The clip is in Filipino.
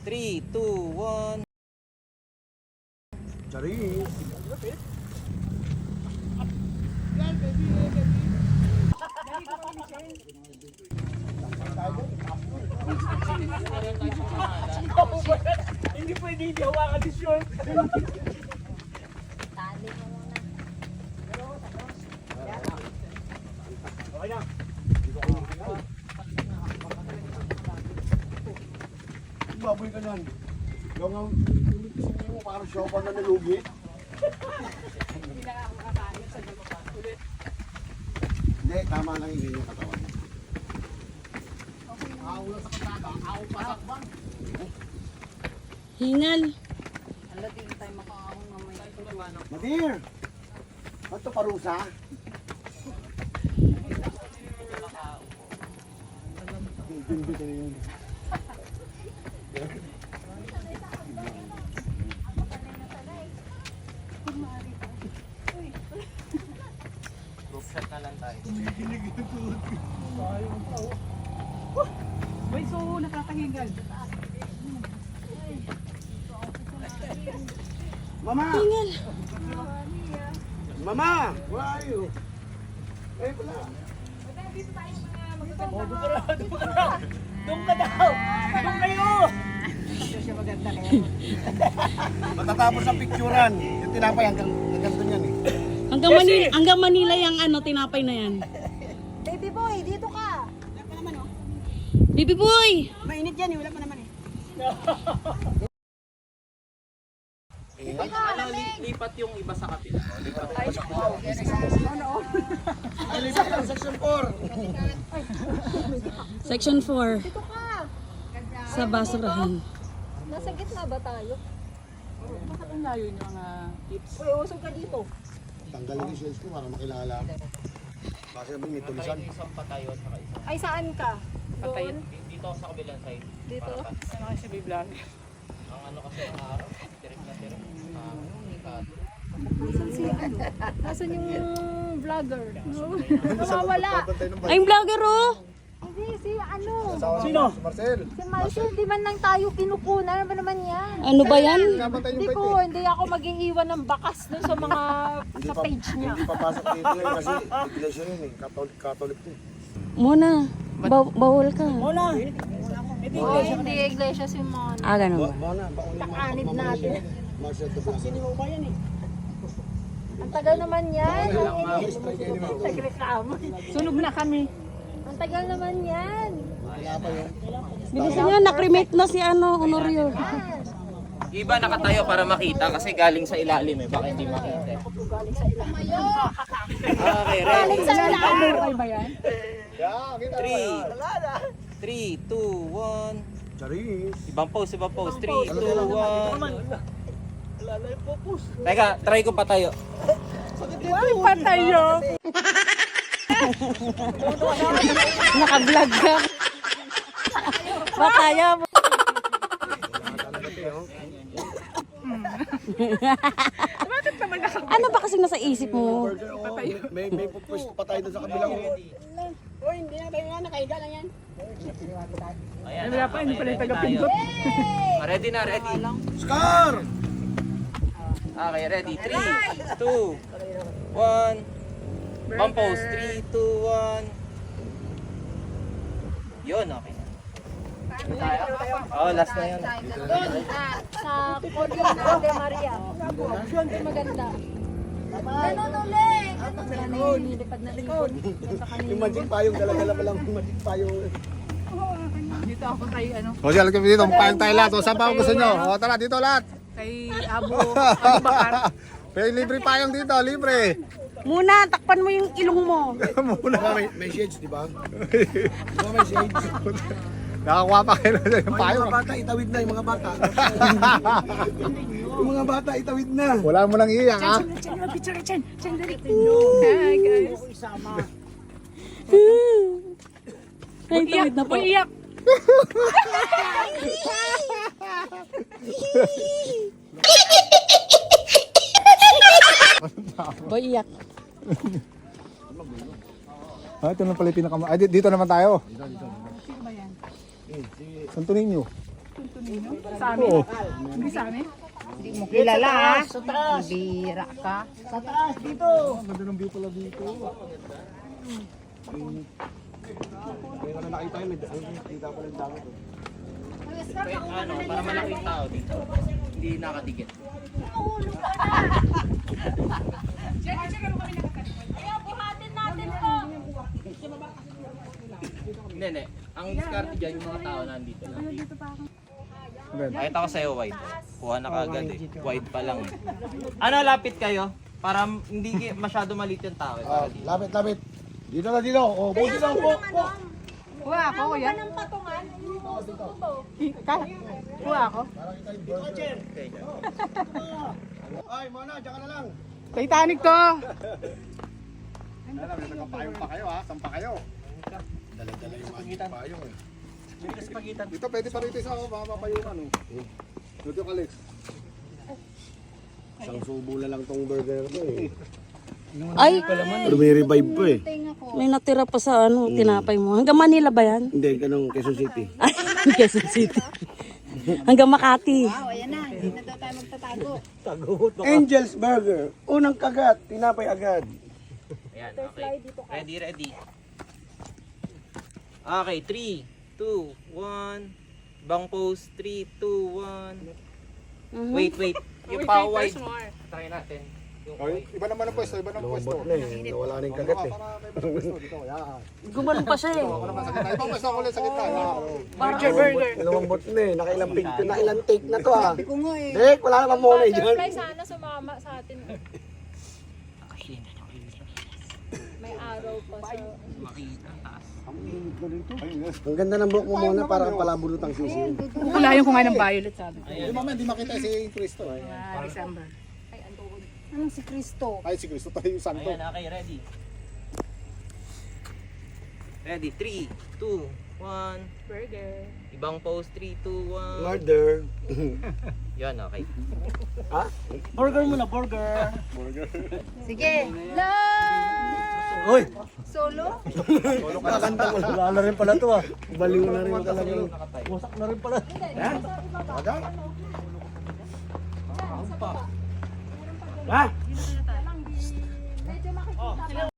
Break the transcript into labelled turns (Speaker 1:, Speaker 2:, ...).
Speaker 1: 3, 2, 1.
Speaker 2: Charis.
Speaker 3: Hindi pwede hindi hawakan ni short.
Speaker 4: Tali mo muna.
Speaker 3: Okay na.
Speaker 2: Baboy ka nan. Yung ang hindi mo parang siopa na nalugi. Hindi, tama lang yung katawan.
Speaker 5: Hingal.
Speaker 2: Madir! Ba't ito parusa? Hindi ka yun.
Speaker 1: Group shot na lang tayo.
Speaker 3: May so nakakahingal.
Speaker 2: Mama!
Speaker 5: Hingal.
Speaker 2: Mama! Where are you? Ay pala.
Speaker 3: Doon ka daw! Doon kayo!
Speaker 2: Matatapos ang picturean. Yung tinapay hanggang doon yan eh.
Speaker 5: Hanggang Manila yung ano, tinapay na yan.
Speaker 4: Baby boy, dito ka.
Speaker 5: Baby boy!
Speaker 4: Mainit yan, wala pa naman eh.
Speaker 1: Lipat yung iba sa kapila. Lipat.
Speaker 2: Ay, lipat lang, section 4.
Speaker 5: Section 4.
Speaker 4: Dito ka.
Speaker 5: Sa basurahan.
Speaker 4: Nasa gitna ba tayo?
Speaker 3: Bakit ang layo yung mga tips?
Speaker 4: Uy, usog ka dito.
Speaker 2: Tanggalin yung shells ko para makilala ako. Kasi sabi may tulisan.
Speaker 1: Isang patayo at saka isang
Speaker 4: Ay, saan ka?
Speaker 3: Patayin.
Speaker 1: dito ako sa kabilang side.
Speaker 4: Dito?
Speaker 3: Ano kasi may vlog?
Speaker 1: Ang ano kasi ng araw, direct na direct.
Speaker 4: Nasaan si ano? Nasaan yung vlogger? Nawawala.
Speaker 5: Ay, yung vlogger oh!
Speaker 4: Hindi, si ano?
Speaker 3: Sino?
Speaker 2: Si Marcel.
Speaker 4: Si Marcel, di man lang tayo kinukunan. Ano ba naman yan?
Speaker 5: Ano ba yan?
Speaker 2: Napatay
Speaker 4: Hindi
Speaker 2: yung
Speaker 4: ko,
Speaker 2: pwede.
Speaker 4: hindi ako mag-iiwan ng bakas dun sa mga sa page niya.
Speaker 2: Hindi papasok dito yun kasi iglesia yun eh. Catholic to.
Speaker 5: Muna. Bawal ka.
Speaker 3: Mona!
Speaker 4: Oh, hindi iglesia si Mon.
Speaker 5: Ah, ganun ba?
Speaker 2: Mona, baunin mo.
Speaker 4: Takanid natin.
Speaker 2: Marcel to Blanco.
Speaker 4: Ang tagal naman yan.
Speaker 3: Sunog na kami.
Speaker 4: Ang tagal naman yan.
Speaker 2: Wala pa yun.
Speaker 5: Bilisan nyo, nakremate na si ano, Honorio.
Speaker 1: Iba nakatayo para makita kasi galing sa ilalim eh. Baka hindi makita. Okay, ready?
Speaker 4: Sa ilalim.
Speaker 3: Ay ba yan?
Speaker 1: 3, 2, 1.
Speaker 2: Charis.
Speaker 1: Ibang pose, ibang pose. 3, 2, 1. Teka, try ko patayo.
Speaker 3: Ay, patayo!
Speaker 5: Naka-vlog ka. Pataya mo.
Speaker 3: Bakit naman
Speaker 5: Ano ba kasing nasa isip mo?
Speaker 2: May pupwesto pa tayo doon sa kabilang.
Speaker 1: Ayan.
Speaker 3: Wala pa, hindi pala yung taga-pindot.
Speaker 1: Ready na, ready.
Speaker 2: Scar!
Speaker 1: Okay, ready. 3, 2, 1. Bump pose. 3, 2, 1. Yun, okay. Oh, last na yun.
Speaker 4: Doon, sa Cordon de Maria. Doon maganda. Ganon ulit. Ganon, nilipad na likod.
Speaker 2: Yung magic payong, dala-dala pa lang yung magic payong.
Speaker 3: Dito ako kay ano,
Speaker 2: O siya, lagyan dito, payong tayo lahat. O saan pa gusto nyo? O tara, dito lahat.
Speaker 3: kay Abu Bakar.
Speaker 2: Pero libre payong dito, libre.
Speaker 5: Muna, takpan mo yung ilong mo.
Speaker 2: Muna. May shades, di ba? May shades. Nakakuha pa kayo na yung payong. Yung mga bata, itawid na yung mga bata. Yung mga bata, itawid na. Wala mo lang iiyak, ha?
Speaker 3: Hi guys.
Speaker 5: Ay, tawid na po.
Speaker 3: Uliyak.
Speaker 5: Boy, iyak.
Speaker 2: Ito na pala yung pinaka... Ay, dito naman tayo.
Speaker 3: Sino ba yan?
Speaker 2: Santo Niño.
Speaker 3: Tunto ninyo? Sa amin?
Speaker 2: Oo.
Speaker 3: Hindi sa amin?
Speaker 4: Hindi mo kilala ha? Sa taas. Bira ka.
Speaker 2: Sa taas, dito. Ang ganda ng view pala dito. Kaya na nakita yun, kita pala yung dami.
Speaker 1: Ano, para malaking tao dito. Hindi nakadikit.
Speaker 4: Kaya buhatin natin to.
Speaker 1: Hindi. Ang diskarte dyan, yung mga tao nandito lang. Kahit ako sa'yo, wide. Kuha na kagad eh. Wide pa lang eh. Ano, lapit kayo? Para hindi masyado maliit yung tao.
Speaker 2: Ah, lapit. Dito na dito. Oh, buti lang po.
Speaker 3: Kuha ako, kuya.
Speaker 4: Anong patungan?
Speaker 3: Kuha ako.
Speaker 2: Ay, Mona, diyan ka na lang.
Speaker 3: Titanic to.
Speaker 2: Nagpapayong pa kayo ha, sampa kayo. Dala-dala yung magic payong eh. Dito pwede pa rito sa mapapayungan oh. Dito ka, Alex. Isang subo na lang tong burger ko eh.
Speaker 5: Ay,
Speaker 2: Pero may revive pa eh.
Speaker 5: may natira pa sa ano, tinapay mo. Hanggang Manila ba yan?
Speaker 2: Hindi, ganun, Quezon City.
Speaker 5: Ay, Quezon City. Hanggang Makati.
Speaker 4: Wow, ayan na. Hindi na daw tayo magtatago.
Speaker 2: Angel's Burger. Unang kagat, tinapay agad.
Speaker 1: Ayan, okay. Ready. Okay, 3, 2, 1. Bang pose, 3, 2, 1. Wait. Yung pa wide. Try natin. Yung wide.
Speaker 2: Iba naman ang pwesto, na eh. Nawala na yung kagat eh.
Speaker 5: Gumanon pa siya eh.
Speaker 2: Ibang pwesto ako ulit sa gitna.
Speaker 3: Burger.
Speaker 2: Lumambot na eh. Nakailang take na to ah. Dek, wala namang muna eh dyan.
Speaker 4: Sana sumama sa atin. May araw pa sa...
Speaker 2: Ang ganda ng buhok mo muna para kang palabulutang sisi.
Speaker 3: Kukulayan ko nga ng violet sa amin.
Speaker 2: Hindi mamaya, hindi makita si Cristo.
Speaker 3: December.
Speaker 4: Anong si Cristo?
Speaker 2: Ay, si Cristo tayo yung santo.
Speaker 1: Ayan, okay, ready. Ready, 3, 2, 1.
Speaker 3: Burger.
Speaker 1: Ibang pose, 3, 2, 1.
Speaker 2: Murder.
Speaker 1: Yan, okay.
Speaker 2: Burger muna, burger.
Speaker 4: Sige. Love!
Speaker 2: Hoy!
Speaker 4: Solo?
Speaker 2: Kakanta mo. Wala na rin pala to ah. Baliw na rin talaga. Wasak na rin pala. Ada? Ha?